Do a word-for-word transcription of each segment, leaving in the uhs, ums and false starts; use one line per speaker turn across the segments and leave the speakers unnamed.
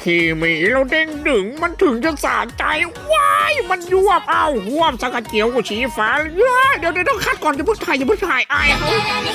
ขี่มีแล้วเด้งดึงมันถึงจะสะใจว้ายมันยวบเอาหวบสักเจียวกูชี้ฟ้าเดี๋ยวเดี๋ยวต้องคัดก่อนอย่าเพิ่งถ่ายอย่าเพิ่งถ่ายอายเขา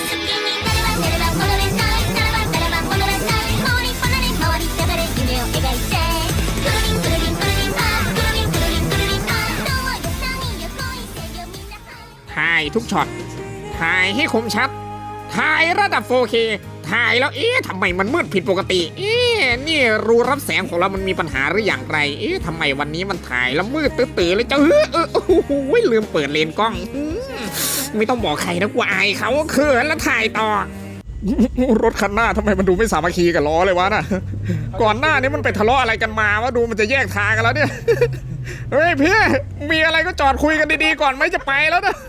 ถ่ายทุกช็อตถ่ายให้คมชัดถ่ายระดับ โฟร์เค ถ่ายแล้วเอ๊ะทำไมมันมืดผิดปกติเอ๊ะนี่รูรับแสงของเรามันมีปัญหาหรืออย่างไรเอ๊ะทำไมวันนี้มันถ่ายแล้วมืดตื้อๆเลยเจ้าเฮ้อเออโอ้โหลืมเปิดเลนส์กล้องไม่ต้องบอกใครนะกูอายเขาเขินแล้วถ่ายต่อรถคันหน้าทำไมมันดูไม่สามัคคีกับล้อเลยวะน่ะก่อนหน้านี้มันไปทะเลาะอะไรกันมาวะดูมันจะแยกทางกันแล้วเนี่ยเฮ้ยพี่มีอะไรก็จอดคุยกันดีๆก่อนไหมจะไปแล้วนะ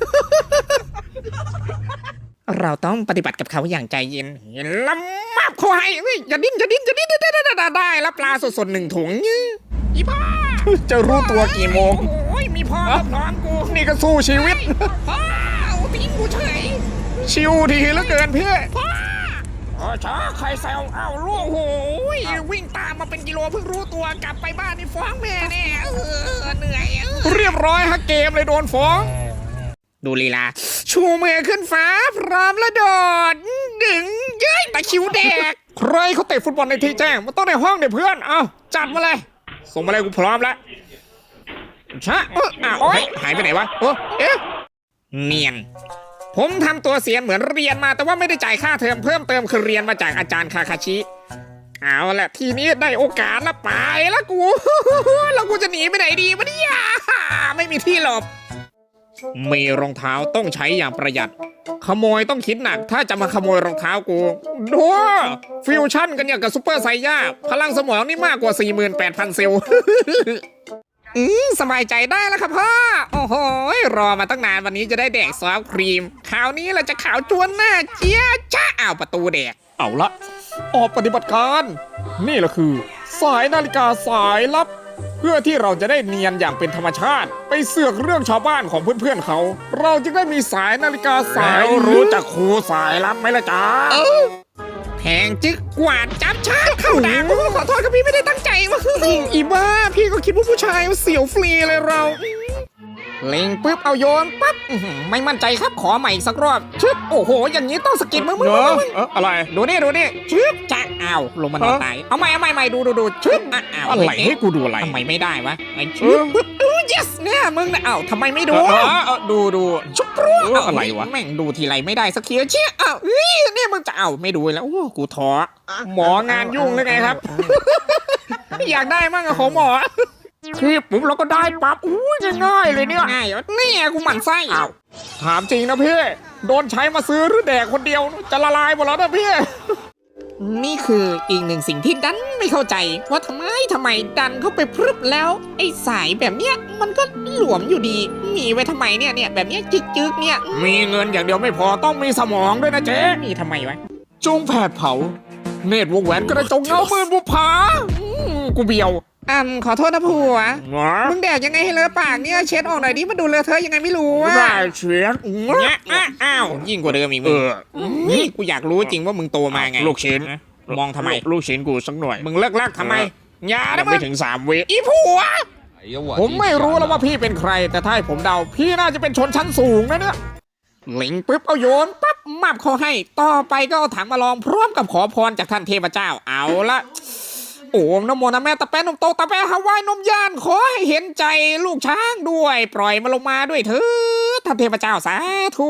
เราต้องปฏิบัติกับเขาอย่างใจเย็นเห็นลำมับเขาให้เฮ้ยอย่าดิ้นอย่าดิ้นอย่าดิ้นได้ได้ได้ได้แล้วปลาสดๆหนึ่งถุงอีพ่อจะรู้ตัวกี่โมงโอ้ยมีพ่อพร้อมกูนี่ก็สู้ชีวิตพ่อเอาทิ้งกูเฉยชิวทีเหลือเกินพี่พ่ออ๋อช้าใครแซวเอาลูกโอ้ยวิ่งตามมาเป็นกิโลเพิ่งรู้ตัวกลับไปบ้านนี่ฟ้องแม่แน่เออเหนื่อยเรียบร้อยฮะเกมเลยโดนฟ้องดูลีลาชูมือขึ้นฟ้าพร้อมแล้วโดดดึงเย้ยตะคิวแดกใครเขาเตะฟุตบอลในที่แจ้งมันต้องในห้องเดี๋ยวเพื่อนเอาจัดมาเลยส่งมาเลยกูพร้อมแล้วชะเอออ่ะโอ๊ยหายไปไหนวะโอ้เอ๊ะเนียนผมทำตัวเสียนเหมือนเรียนมาแต่ว่าไม่ได้จ่ายค่าเทอมเพิ่มเติมคือเรียนมาจากอาจารย์คาคาชิเอาละทีนี้ได้โอกาสละไปแล้วกูแล้วกูจะหนีไปไหนดีวะเนี่ยไม่มีที่หลบมีรองเท้าต้องใช้อย่างประหยัดขโมยต้องคิดหนักถ้าจะมาขโมยรองเท้ากูดูฟิวชั่นกันอย่างกับซุปเปอร์ไซย่าพลังสมองนี่มากกว่า สี่หมื่นแปดพัน เซลล์อืมสบายใจได้แล้วครับพ่อโอ้โหรอมาตั้งนานวันนี้จะได้แดกซอฟต์ครีมคราวนี้เราจะขาวจวนหน้าเจี๊ยจ้าอ้าวประตูแดกเอาละออกปฏิบัติการนี่แหละคือสายนาฬิกาสายลับเพื่อที่เราจะได้เนียนอย่างเป็นธรรมชาติไปเสือกเรื่องชาวบ้านของเพื่อนๆเขาเราจึงได้มีสายนาฬิกาสายรู้จักครูสายลับไหมล่ะจ๊ะแทงจึกกวาดจับชาติเข้าด่างขอโทษครับพี่ไม่ได้ตั้งใจวะอีบ้าพี่ก็คิดว่าผู้ชายเสียวฟรีเลยเราเล็งปุ๊บเอาโยนปั๊บไม่มั่นใจครับขอใหม่อีกสักรอบชึบโอ้โหอย่างนี้ต้องสกิดมึงมึงอะไรดูนี่ดูนี่ชึบจะอ้าวลงมานอนตายเอาใหม่เอาใหม่ใหม่ดูดูดูชึบอ้าวอะไรให้กูดูอะไรทำไมไม่ได้วะไอ้ชึบปุ๊บอู้ yes เนี่ยมึงนะอ้าวทำไมไม่ดูดูดูชุบรู้อะไรวะแม่งดูทีไรไม่ได้สักทีเชี่ยอ้าวนี่มึงจะเอาไม่ดูแล้วโอ้กูท้อหมองานยุ่งเลยไงครับอยากได้มั่งอะของหมอคือปุ๊บเราก็ได้ปั๊บอู้ยง่ายเลยเนี่ยง่ายนี่กูหมั่นไส้อ้าวถามจริงนะพี่โดนใช้มาซื้อหรือแดกคนเดียวจะละลายหมดแล้วนะพี่นี่คืออีกหนึ่งสิ่งที่ดันไม่เข้าใจว่าทำไมทำไมดันเข้าไปพรึบแล้วไอ้สายแบบเนี้ยมันก็หลวมอยู่ดีมีไว้ทำไมเนี่ยเนี่ยแบบเนี้ยจึกๆเนี่ยมีเงินอย่างเดียวไม่พอต้องมีสมองด้วยนะเจ๊มีทำไมวะจงแผดเผาเนตรวงแหวนกระจงเงามือบุพากูเบียวอ่าขอโทษนะผัวมึงแดกยังไงให้เลอะปากเนี่ยเช็ดออกหน่อยดิมันดูเลอะเทอะยังไงไม่รู้อ่ะได้เช็ดเนี่ยอ้าวยิ่งกว่าเดิมอีกมึงนี่กูอยากรู้จริงว่ามึงโตมาไงลูกชิ้นมองทำไมลูกชิ้นกูสักหน่อยมึงเลิกลากทำไมอย่าได้ไม่ถึงสามวิอีผัวผมไม่รู้แล้วว่าพี่เป็นใครแต่ถ้าให้ผมเดาพี่น่าจะเป็นชนชั้นสูงนะเนี่ยเล็งปุ๊บเอาโยนปั๊บมับเขาให้ต่อไปก็เอาถังมาลองพร้อมกับขอพรจากท่านเทพเจ้าเอาละโอ้นโมนะแม่ตะแปนนมโตตะแปฮาวายนมย่านขอให้เห็นใจลูกช้างด้วยปล่อยมาลงมาด้วยเถิดท่านเทพเจ้าสาธุ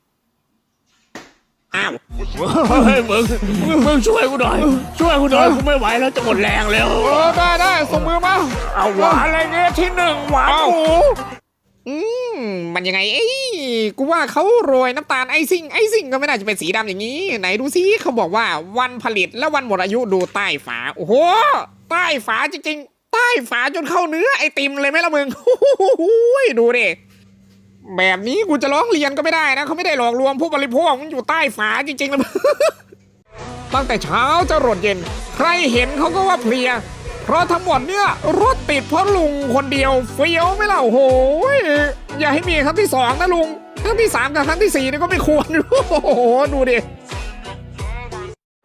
อ้าวเฮ้ยมึงมึงช่วยกูหน่อยช่วยกูหน่อยกูไม่ไหวแล้วจะหมดแรงแล้วเออได้ได้ส่งมือมาเอาหวานอะไรเงี้ยที่หนึ่งหวานหมูอืมมันยังไงเอ้ยกูว่าเขาโรยน้ำตาลไอซิ่งไอซิ่งก็ไม่น่าจะเป็นสีดำอย่างนี้ไหนดูซิเขาบอกว่าวันผลิตและวันหมดอายุดูใต้ฝาโอ้โหใต้ฝาจริงๆใต้ฝาจนเข้าเนื้อไอติมเลยไหมล่ะมึงดูดิแบบนี้กูจะร้องเรียนก็ไม่ได้นะเขาไม่ได้หลอกลวงผู้บริโภคมันอยู่ใต้ฝาจริงๆเลยตั้งแต่เช้าจะรดเย็นใครเห็นเขาก็ว่าเพลียเพราะทั้งหมดเนี่ยรถติดเพราะลุงคนเดียวเฟี้ยวไม่เล่าโหยอย่าให้มีครั้งที่สองนะลุงครั้งที่สามกับครั้งที่สี่นี่ก็ไม่ควรโอ้โหดูดิไฟ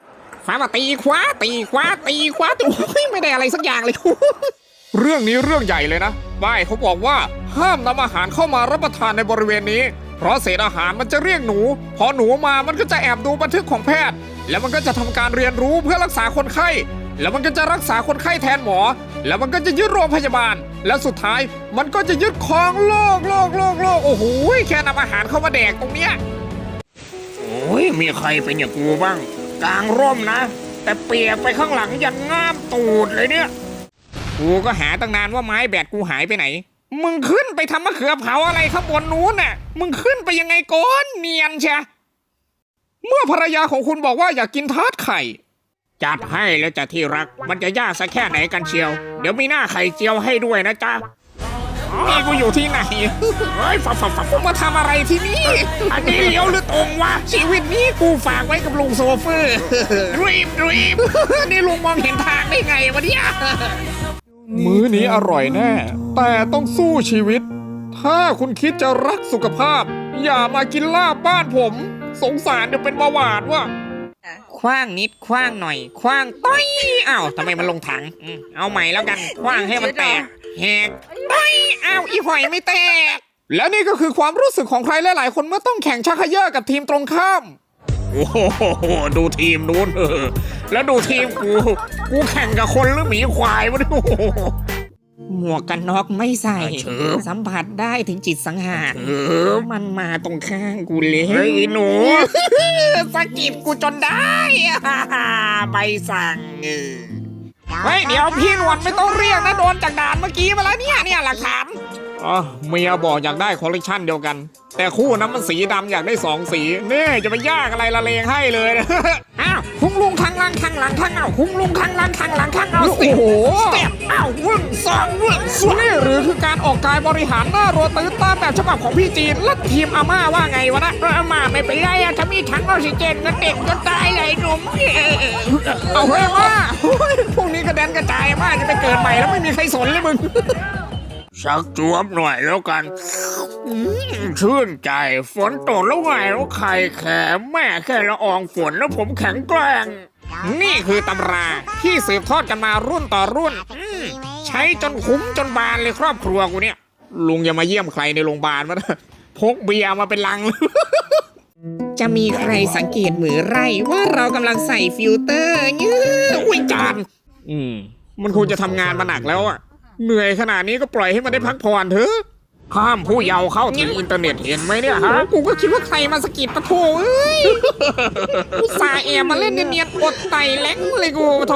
ความมาตีขวาตีขวาตีขวาตีโอ้ยไม่ได้อะไรสักอย่างเลย
เรื่องนี้เรื่องใหญ่เลยนะป้ายเขาบอกว่าห้ามนำอาหารเข้ามารับประทานในบริเวณนี้เพราะเศษอาหารมันจะเรียกหนูพอหนูมามันก็จะแอบดูบันทึกของแพทย์แล้วมันก็จะทำการเรียนรู้เพื่อรักษาคนไข้แล้วมันก็จะรักษาคนไข้แทนหมอแล้วมันก็จะยึดโรงพยาบาลแล้วสุดท้ายมันก็จะยึดครองโลกโลกโลกโลกโอ้โหแค่นำอาหารเข้ามาแดกตรงเนี้ย
โอ้ยมีใครเป็นอย่างกูบ้างกลางร่มนะแต่เปียกไปข้างหลังยันง่ามตูดเลยเนี่ยกูก็หาตั้งนานว่าไม้แบตกูหายไปไหนมึงขึ้นไปทำมะเขือเผาอะไรข้างบนนู้นน่ะมึงขึ้นไปยังไงก้อนเนียนใช่
เมื่อภรรยาของคุณบอกว่าอยากกินทาร์ตไข่
จัดให้แล้วจ้ะที่รักมันจะยากสักแค่ไหนกันเชียวเดี๋ยวมีหน้าไข่เจียวให้ด้วยนะจ๊ะนี่กูอยู่ที่ไหนเฮ้ยฝักฝักฝักกูมาทำอะไรที่นี่อันนี้เลี้ยวหรือตรงวะชีวิตนี้กูฝากไว้กับลุงโซเฟอร์รีบรีบนี่ลุงมองเห็นทางได้ไงวะเนี่ย
มื้อนี้อร่อยแน่ แต่ต้องสู้ชีวิต ถ้าคุณคิดจะรักสุขภาพ อย่ามากินลาบบ้านผม สงสารเดี๋ยวเป็นเบาหวานว่ะ
คว้างนิดคว้างหน่อยคว้างต้อยอ้าวทำไมมันลงถังอืมเอาใหม่แล้วกันคว้างให้มันแตกแหกต้อยอ้าวอีหอยไม่แตก
และนี่ก็คือความรู้สึกของใครหลายๆคนเมื่อต้องแข่งชักเขย่อกับทีมตรงข้าม
โอ้โหดูทีมนู้นเออแล้วดูทีมกูกูแข่งกับคนหรือหมีควายวะเนี่ยหมวกกันน็อกไม่ใส่สัมผัสได้ถึงจิตสังหารมันมาตรงข้างกูเลยเฮ้ยหนู สะกิดกูจนได้ใบสั่งเฮ้ยเดี๋ยวพี่นวลไม่ต้องเรียกนะโดนจากด่านเมื่อกี้มาแล้วเนี่ยเนี่ยหลักฐาน
อ๋อเมียบอกอยากได้คอลเลกชันเดียวกัน แต่คู่นั้นมันสีดำอยากได้สองสีนี่จะไปยากอะไรละเลงให้เลยนะ
อ้าวคุ้งลุงข้างล่างข้างหลังข้างเอาคุ้งลุงข้างล่างข้างหลังข้างเอา
โอ้โห
สเต็ปอ้าววุ่นสองวุ่นสวน
นี่หรือคือการออกกายบริหารหน้ารัวตื้นตามแบบฉบับของพี่จีนและทีมอาม่าว่าไงวะนะ
อามาไม่เป็นไรอะถ้ามีถังออกซิเจนก็เด็กจนตายเลยหนุ่ม
เอาเฮ้ยว่า
พวกนี้กระเด็นกระจายมากจะไปเกิดใหม่แล้วไม่มีใครสนเลยมึงชักจวบหน่อยแล้วกันอืมชื่นใจฝนตกแล้วไงแล้วไข่แข็งแม่แค่ละอองฝนแล้วผมแข็งแกร่งนี่คือตำราที่สืบทอดกันมารุ่นต่อรุ่นอืมใช้จนคุ้มจนบานเลยครอบครัวกูเนี่ยลุงอย่ามาเยี่ยมใครในโรงพยาบาลมานะพกเบียร์มาเป็นลัง จะมีใครสังเกตมือไรว่าเรากำลังใส่ฟิลเตอร์เงี้ยอุ้ยจานอืมมันคงจะทำงานมาหนักแล้วอะเหนื่อยขนาดนี้ก็ปล่อยให้มันได้พักผ่อนเถอะห้ามผู้เยาว์เข้าถึงอินเทอร์เน็ตเห็นไหมเนี่ยฮะกูก็คิดว่าใครมาสะกิดปะโถเอ้ยอุตส่าห์แอบมาเล่นเนียนๆอดไตแหลงเลยกูปะโถ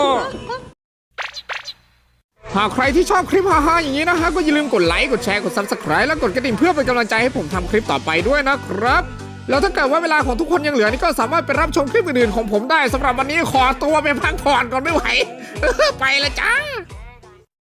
หากใครที่ชอบคลิปฮาๆอย่างนี้นะฮะก็อย่าลืมกดไลค์กดแชร์กด ซับสไครบ์ และกดกระดิ่งเพื่อเป็นกำลังใจให้ผมทำคลิปต่อไปด้วยนะครับแล้วถ้าเกิดว่าเวลาของทุกคนยังเหลือนี่ก็สามารถไปรับชมคลิปอื่นๆของผมได้สำหรับวันนี้ขอตัวไปพักผ่อนก่อนไม่ไหว ไปละจ้า